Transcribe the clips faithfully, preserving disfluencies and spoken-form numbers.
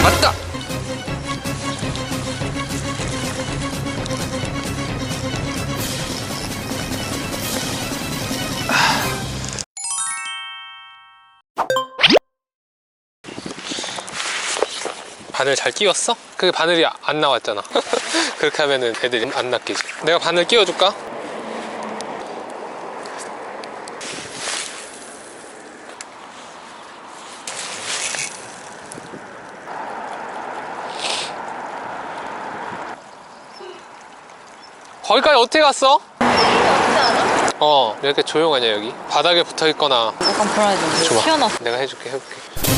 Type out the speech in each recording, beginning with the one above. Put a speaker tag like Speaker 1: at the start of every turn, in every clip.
Speaker 1: 왔다. 바늘 잘 끼웠어? 그게 바늘이 안 나왔잖아. 그렇게 하면은 애들이 안 낚이지. 내가 바늘 끼워줄까? 거기까지 어떻게 갔어? 어, 왜 이렇게 조용하냐 여기? 바닥에 붙어있거나.
Speaker 2: 약간 불안해졌는데.
Speaker 1: 줘봐.
Speaker 2: 튀어나왔어.
Speaker 1: 내가 해줄게, 해볼게.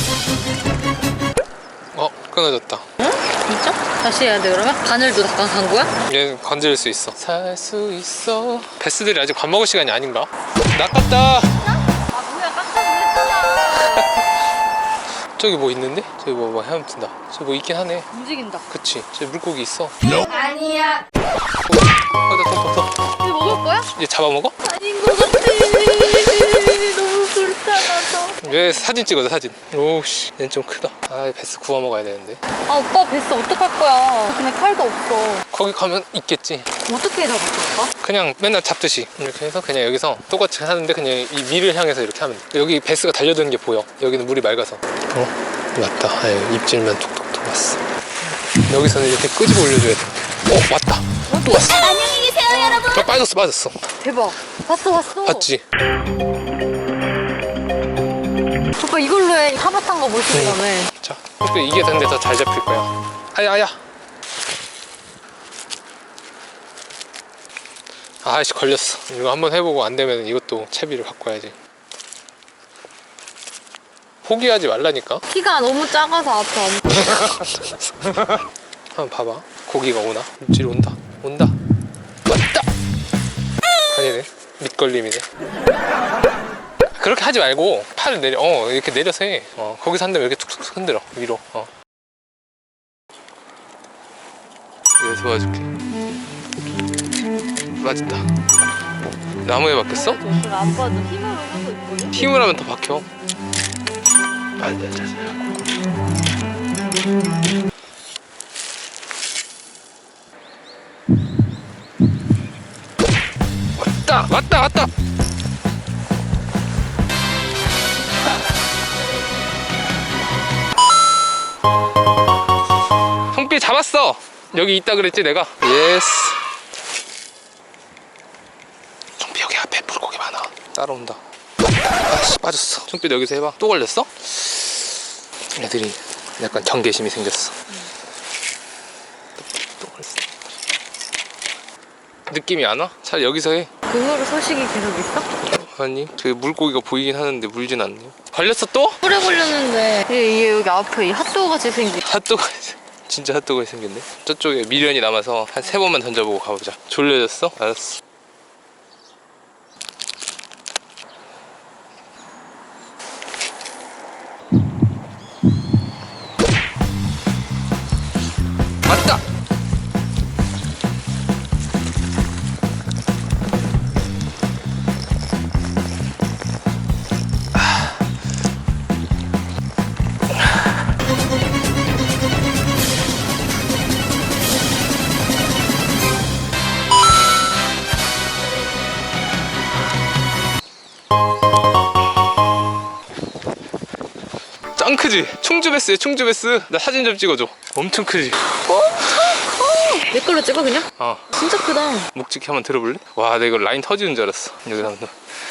Speaker 1: 어, 끊어졌다.
Speaker 2: 응? 진짜? 다시 해야 돼 그러면? 바늘도 잠깐 간 거야?
Speaker 1: 얘는 건질 수 있어. 살 수 있어. 베스들이 아직 밥 먹을 시간이 아닌가? 낚았다.
Speaker 2: 아 뭐야 깜짝 놀랐잖아.
Speaker 1: 저기 뭐 있는데? 저기 뭐, 뭐 헤엄친다. 저기 뭐 있긴 하네.
Speaker 2: 움직인다.
Speaker 1: 그치? 저기 물고기 있어.
Speaker 2: 아니야.
Speaker 1: 어, 나 더, 더, 더.
Speaker 2: 이거 먹을 거야?
Speaker 1: 얘 잡아먹어?
Speaker 2: 아닌 것 같아. 너무 불쌍하다.
Speaker 1: 왜 사진 찍어줘, 사진. 오우씨, 얘는 좀 크다. 아, 베스 구워 먹어야 되는데.
Speaker 2: 아 오빠 뱃어 어떡할 거야. 근데 칼도 없어.
Speaker 1: 거기 가면 있겠지.
Speaker 2: 어떻게 잡았을까?
Speaker 1: 그냥 맨날 잡듯이 이렇게 해서 그냥 여기서 똑같이 하는데 그냥 이 위를 향해서 이렇게 하면 돼. 여기 베스가 달려드는 게 보여. 여기는 물이 맑아서. 어? 왔다. 아유, 입질만 톡톡톡 왔어. 여기서는 이렇게 끄집어 올려줘야 돼. 어? 왔다. 또 왔어.
Speaker 2: 안녕히 계세요 여러분.
Speaker 1: 아, 빠졌어 빠졌어.
Speaker 2: 대박. 봤어 봤어.
Speaker 1: 봤지?
Speaker 2: 오빠 이걸로 해. 타박한 거 보시다며.
Speaker 1: 자, 또 이게 근데 더 잘 잡힐 거야. 아야 아야. 아이씨 걸렸어. 이거 한번 해보고 안 되면 이것도 채비를 바꿔야지. 포기하지 말라니까.
Speaker 2: 키가 너무 작아서 앞에 안.
Speaker 1: 한번 봐봐. 고기가 오나? 입질 온다. 온다. 왔다. 아니네. 밑걸림이네. 그렇게 하지 말고 팔을 내려. 어 이렇게 내려서 해. 어 거기서 한 다음에 이렇게 툭툭 흔들어 위로. 어. 내가 도와줄게. 맞았다. 나무에 박혔어?
Speaker 2: 아빠도 힘으로 하고 있거든.
Speaker 1: 힘을 하면 더 박혀. 안돼, 왔다, 왔다, 왔다. 송삐 잡았어. 여기 있다 그랬지 내가. 예스. 송삐 여기 앞에 물고기 많아. 따라온다. 아씨 빠졌어. 송삐 여기서 해봐. 또 걸렸어? 애들이 약간 경계심이 생겼어. 또, 또 걸렸어. 느낌이 안 와? 차라리 여기서 해.
Speaker 2: 그 후로 소식이 계속 있어?
Speaker 1: 아니 저기 물고기가 보이긴 하는데 물진 않네. 걸렸어 또?
Speaker 2: 오래 걸렸는데 이게 여기 앞에 이 핫도그 같이 생긴.
Speaker 1: 핫도그 진짜 핫도그가 생겼네. 저쪽에 미련이 남아서 한 세 번만 던져보고 가보자. 졸려졌어? 알았어. 맞다! 짱 크지? 충주베스야 충주베스. 나 사진 좀 찍어줘. 엄청 크지?
Speaker 2: 내 걸로 찍어 그냥?
Speaker 1: 어
Speaker 2: 진짜 크다.
Speaker 1: 묵직히 한번 들어볼래? 와 나 이거 라인 터지는 줄 알았어. 여기 한번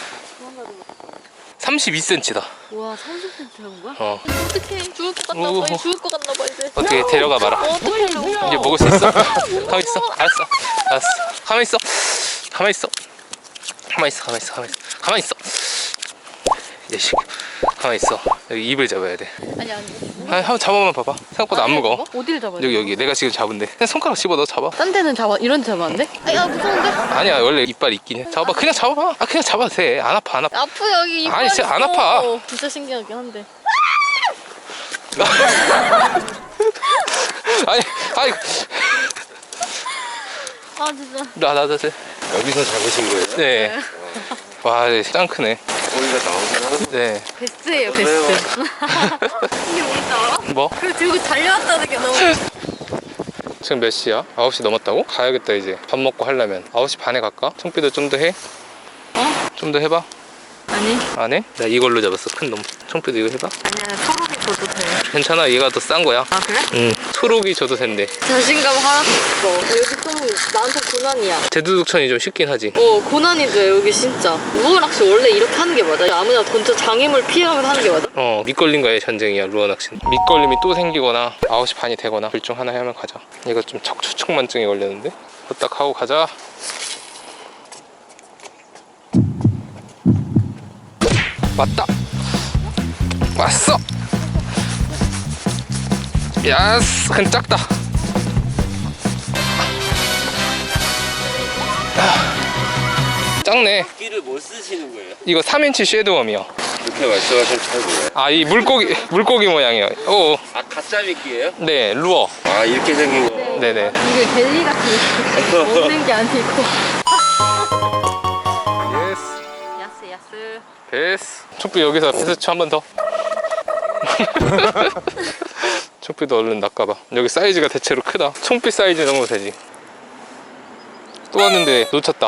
Speaker 1: 삼십이 센티미터다.
Speaker 2: 와 삼십 센티미터 한 거야?
Speaker 1: 어
Speaker 2: 어떡해 죽을 것 같나
Speaker 1: 오.
Speaker 2: 봐. 이제 죽을 것 같나 봐 이제.
Speaker 1: 어떻게 데려가 봐라.
Speaker 2: 어, 어떡해 이거.
Speaker 1: 이제 먹을 수 있어? 가만 있어. 알았어. 알았어. 가만 있어. 가만 있어. 가만 있어. 가만 있어. 가만 있어. 가만 있어. 얘식. 가만 있어. 여기 입을 잡아야 돼.
Speaker 2: 아니 아니.
Speaker 1: 아, 한번 잡아만 봐봐. 생각보다 안 무거워.
Speaker 2: 어디를 잡아야 돼?
Speaker 1: 여기 여기 내가 지금 잡은데. 그냥 손가락 씹어 넣어 잡아.
Speaker 2: 딴 데는 잡아 이런 데 잡았는데? 아야 무서운데?
Speaker 1: 아니야 원래 이빨 있긴 해. 잡아봐. 그냥 잡아봐. 아 그냥 잡아도 돼. 안 아파 안 아파.
Speaker 2: 아프 여기 이빨
Speaker 1: 아니, 진짜 안
Speaker 2: 있어.
Speaker 1: 아파.
Speaker 2: 진짜 신기하긴 한데.
Speaker 1: 아니 아니
Speaker 2: 아 진짜.
Speaker 1: 나나나
Speaker 3: 여기서 잡으신 거예요?
Speaker 1: 네. 와, 짱 크네.
Speaker 3: 물고기가 나오긴 하는
Speaker 1: 네.
Speaker 2: 베스트예요, 베스트. 이게 뭔지 알아?
Speaker 1: 뭐?
Speaker 2: 그거 들고 달려왔다는 게 너무.
Speaker 1: 지금 몇 시야? 아홉 시 넘었다고? 가야겠다 이제. 밥 먹고 하려면. 아홉 시 반에 갈까? 청비도 좀 더 해?
Speaker 2: 어?
Speaker 1: 좀 더 해봐.
Speaker 2: 아니.
Speaker 1: 안 해? 나 이걸로 잡았어. 큰 놈. 청비도 이거 해봐.
Speaker 2: 아니야, 초록이 줘도 돼.
Speaker 1: 괜찮아. 얘가 더 싼 거야.
Speaker 2: 아, 그래?
Speaker 1: 응. 초록이 줘도 된대.
Speaker 2: 자신감 하나도 없어. 여기 좀 나한테 고난이야.
Speaker 1: 대두둑천이 좀 쉽긴 하지.
Speaker 2: 어, 고난이죠, 여기 진짜. 루어 낚시 원래 이렇게 하는 게 맞아? 아무나 던져 장애물 피해가면서 하는 게 맞아?
Speaker 1: 어, 밑걸림과의 전쟁이야, 루어 낚시는. 밑걸림이 또 생기거나 아홉 시 반이 되거나 둘 중 하나 하면 가자. 이거 좀 척추측만증이 걸렸는데? 후딱 하고 가자. 왔다. 왔어. 야스, 큰 작다. 아, 작네.
Speaker 3: 끼를 못 쓰시는 거예요?
Speaker 1: 이거 삼 인치 쉐드웜이요.
Speaker 3: 이렇게 말씀하시면 잘 몰라요.
Speaker 1: 아, 이 물고기 물고기 모양이에요. 오,
Speaker 3: 아, 가짜 미끼예요?
Speaker 1: 네, 루어.
Speaker 3: 아, 이렇게 생긴 거.
Speaker 1: 네네.
Speaker 2: 이게 벨리 같은 거 없는 게 아니고.
Speaker 1: 예스.
Speaker 2: 야스, 야스.
Speaker 1: 베스. 촉비 여기서 베스트 한 번 더. 촉비도 얼른 낚아봐. 여기 사이즈가 대체로 크다. 총비 사이즈 정도 되지. 또 왔는데 놓쳤다.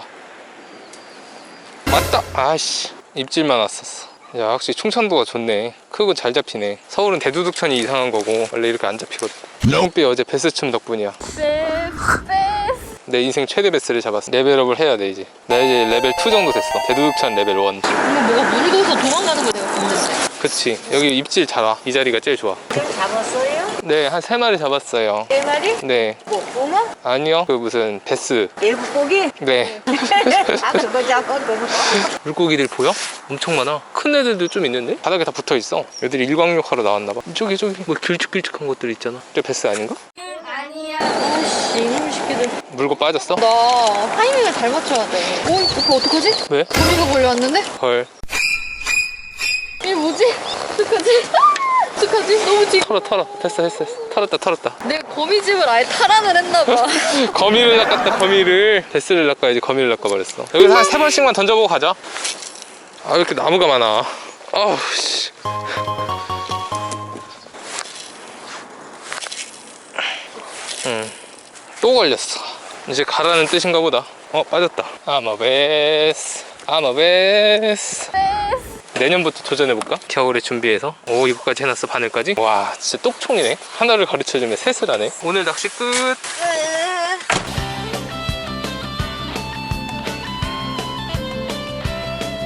Speaker 1: 맞다. 아씨, 입질만 왔었어. 야, 확실히 충청도가 좋네. 크고 잘 잡히네. 서울은 대두둑천이 이상한 거고 원래 이렇게 안 잡히거든. 총비 어제 베스춤 덕분이야.
Speaker 2: 베스, 베스.
Speaker 1: 내 인생 최대 베스를 잡았어. 레벨업을 해야 돼 이제. 나 이제 레벨 이 정도 됐어. 대두둑천 레벨 일.
Speaker 2: 이거 뭐가 묽어서 도망가는 거 내가 봤는데.
Speaker 1: 그치. 여기 입질 잘 와. 이 자리가 제일 좋아.
Speaker 4: 지금 잡았어요?
Speaker 1: 네, 한 세 마리 잡았어요.
Speaker 4: 네 마리?
Speaker 1: 네.
Speaker 4: 뭐 붕어?
Speaker 1: 아니요. 그 무슨 베스.
Speaker 4: 일곱고기?
Speaker 1: 네.
Speaker 4: 아 그거 잡고 그거
Speaker 1: 물고기들 보여? 엄청 많아. 큰 애들도 좀 있는데? 바닥에 다 붙어 있어. 애들이 일광욕하러 나왔나 봐. 저기 저기 뭐 길쭉길쭉한 것들 있잖아. 저 베스 아닌가?
Speaker 2: 아씨, 이놈의 새끼들.
Speaker 1: 물고 빠졌어?
Speaker 2: 나 타이밍을 잘 맞춰야 돼. 어, 이거 어떡하지?
Speaker 1: 왜?
Speaker 2: 거미가 몰려왔는데?
Speaker 1: 헐.
Speaker 2: 이게 뭐지? 어떡하지? 아, 어떡하지? 너무 지금.
Speaker 1: 털어 털어. 됐어 됐어 됐어. 털었다 털었다.
Speaker 2: 내가 거미집을 아예 탈환을 했나봐.
Speaker 1: 거미를 낚았다 거미를. 베스를 낚아야지 거미를 낚아버렸어. 여기서 한 세 번씩만 던져보고 가자. 아, 왜 이렇게 나무가 많아. 아우 씨. 응. 또 걸렸어. 이제 가라는 뜻인가 보다. 어, 빠졌다. 아마 베스. 아마 베스. 내년부터 도전해볼까? 겨울에 준비해서. 오, 이거까지 해놨어. 바늘까지. 와, 진짜 똑총이네. 하나를 가르쳐주면 셋을 하네. 오늘 낚시 끝.